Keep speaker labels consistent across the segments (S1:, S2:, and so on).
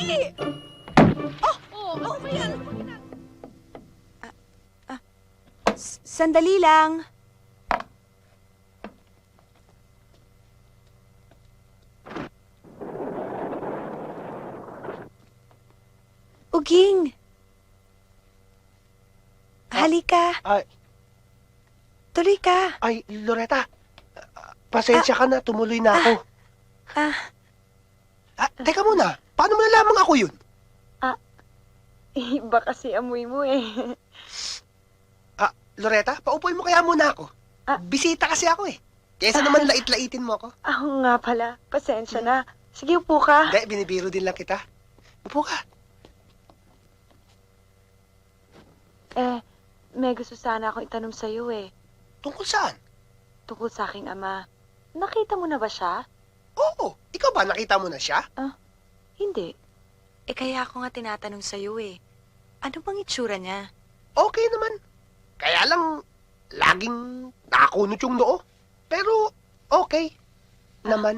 S1: Dali!
S2: Oh, ano ba yan?
S1: Sandali lang. Uging! Halika.
S3: Ay,
S1: Tuloy ka.
S3: Loretta. Pasensya ka na, tumuloy na ako. Teka muna, paano mo nalamang ako yun?
S4: Iba kasi amoy mo eh.
S3: Loretta, paupuin mo kaya muna ako. Bisita kasi ako eh. Kesa naman lait-laitin mo ako.
S4: Ako nga pala. Pasensya na. Sige, upo ka.
S3: Hindi, binibiro din lang kita. Upo ka.
S4: May gusto sana akong itanong sa'yo eh.
S3: Tungkol saan?
S4: Tungkol sa aking ama. Nakita mo na ba siya?
S3: Oo, ikaw ba nakita mo na siya?
S4: Hindi.
S1: Kaya ako nga tinatanong sa'yo eh. Ano bang itsura niya?
S3: Okay naman. Kaya lang, laging nakakunot yung noo. Pero, okay naman.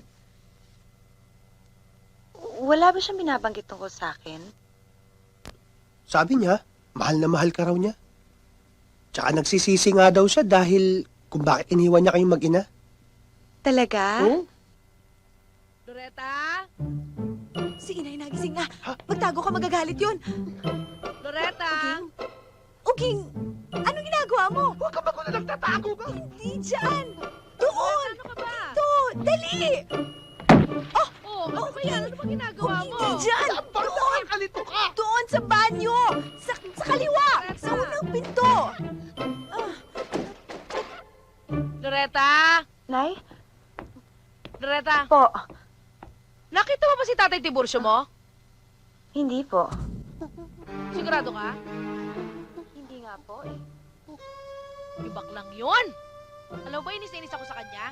S4: Wala ba siyang binabanggit tungkol sa akin?
S3: Sabi niya, mahal na mahal ka raw niya. Tsaka nagsisisi nga daw siya dahil kung bakit iniwan niya kayong mag-ina.
S1: Talaga?
S3: Oo.
S2: Loretta?
S1: Si inay nagising nga. Magtago ka, magagalit yun.
S2: Loretta?
S1: Uging, anong ginagawa mo?
S3: Huwag ka ba kung nagtatago ka?
S1: Hindi dyan. Doon.
S2: Ano ka ba?
S1: Ito, dali.
S2: Oh, ano ba yan? Ano ba ginagawa mo?
S1: Hindi dyan.
S3: Saan nakakalito ka?
S1: Doon sa banyo. Sa kaliwa. Sa unang pinto.
S2: Loretta?
S4: Nay?
S2: Loretta?
S4: Po.
S2: Nakita mo ba si Tatay Tiburcio mo?
S4: Hindi po.
S2: Sigurado ka?
S4: Hindi nga po eh.
S2: Ibak lang yun. Alam mo ba, inis na inis ako sa kanya?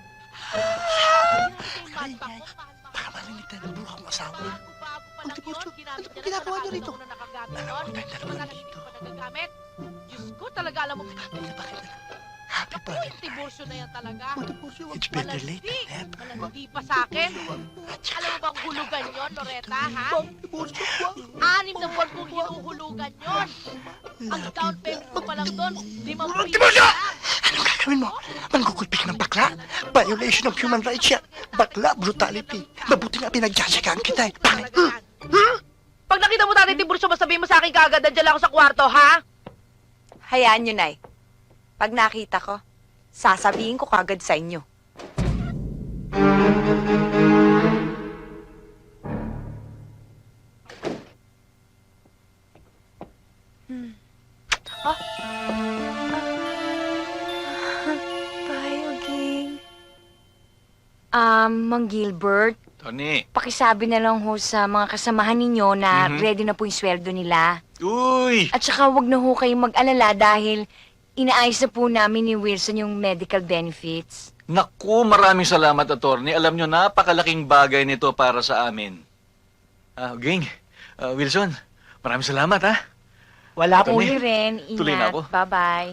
S3: Baka marinig tayo ng buha kong asawa.
S2: Bago pa lang
S3: Tiburcio,
S2: yun, ginamit
S3: ano
S2: niya
S3: ginagawa niyo
S2: na
S3: rito?
S2: na nakagamit
S3: Alam
S2: nun.
S3: ko tayong dalawa
S2: Baka
S3: nandito.
S2: hindi pa nagagamit. Diyos ko, talaga alam mo.
S3: Bakit na? Happy
S2: Naku, yung Tiburcio na yan talaga.
S3: Tiburcio,
S5: It's better late than never.
S2: Malandi pa sa akin. Alam mo bang hulugan yon, Loretta, ha?
S3: Tiburcio,
S2: 6 na buwan kong hinuhulugan yon. Ang down payment ko pa lang doon, 5
S5: Tiburcio! Anong gagawin mo? Mangkukulpik ng bakla? Violation of human rights yan. Bakla, brutality. Mabuti nga pinagtsatsagaan kita eh. Bakit?
S2: Pag nakita mo Tatay Tiburcio, masabihin mo sa akin kaagad, nandiyan lang ako sa kwarto, ha?
S1: Hayaan nyo, Nay. Pag nakita ko, sasabihin ko kagad sa inyo. Bye, Uging.
S6: Mang Gilbert,
S7: Tony.
S6: pakisabi na lang ho sa mga kasamahan ninyo na ready na po yung sweldo nila.
S7: Uy!
S6: At saka wag na ho kayong mag-alala dahil inaayos na po namin ni Wilson yung medical benefits.
S7: Naku, maraming salamat, attorney. Alam nyo, napakalaking bagay nito para sa amin. Ging, Wilson, maraming salamat, ha?
S3: Wala po.
S7: Tony,
S6: Uli rin,
S7: tuloy na
S6: ingat.
S7: ako.
S6: Bye-bye.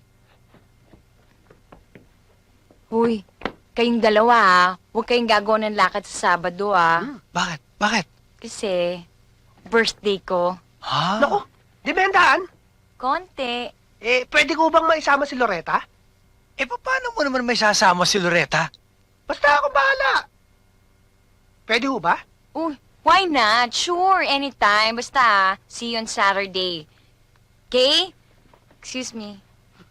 S6: Huy, kayong dalawa huwag kayong gagawa ng lakad sa Sabado
S5: Bakit? Bakit?
S6: Kasi birthday ko.
S5: Ha?
S3: Naku, demendahan.
S6: Konti.
S3: Pwede ko bang maisama si Loretta?
S5: Paano mo naman may sasama si Loretta?
S3: Basta ako bahala. Pwede ho ba?
S6: Uy, why not? Sure, anytime. Basta, see you on Saturday. Okay? Excuse me.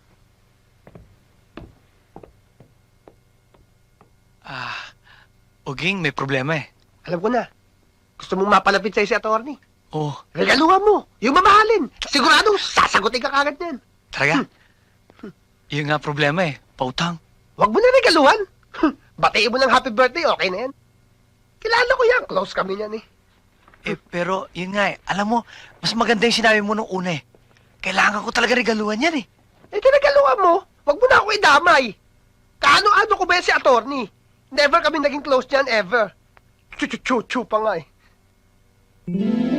S5: Uging, may problema eh.
S3: Alam ko na. Gusto mong mapalapit sa'yo si attorney.
S5: Oh,
S3: Regaluhan mo. Yung mamahalin. Siguradong sasagutin ka kagad yan.
S5: talaga? Yun nga problema eh. Pautang.
S3: Huwag mo na regaluhan. Batiin mo ng happy birthday, okay na yan. Kilala ko yan. Close kami yan eh.
S5: Pero yun nga eh. Alam mo, mas maganda yung sinabi mo nung una eh. Kailangan ko talaga regaluhan yan eh.
S3: Regaluhan mo. Huwag mo na ako idamay. Kaano-ano ko ba yan si attorney? Never kami naging close niyan, ever. Chu-chu-chu-chu pa nga eh.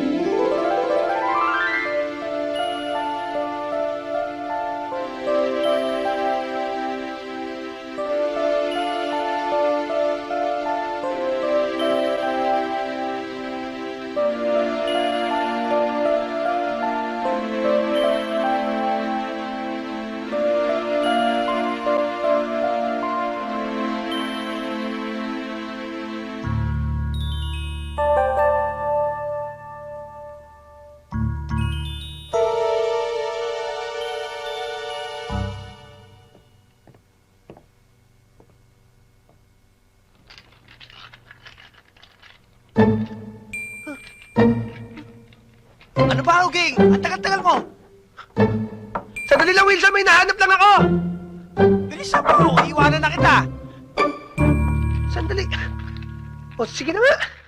S8: Ano ba, Uging? Ang tagal-tagal mo.
S3: Sandali lang, Wilson. May nahanap lang ako.
S8: Bilisan mo. Iiwanan na kita.
S3: Sandali. O, sige na nga.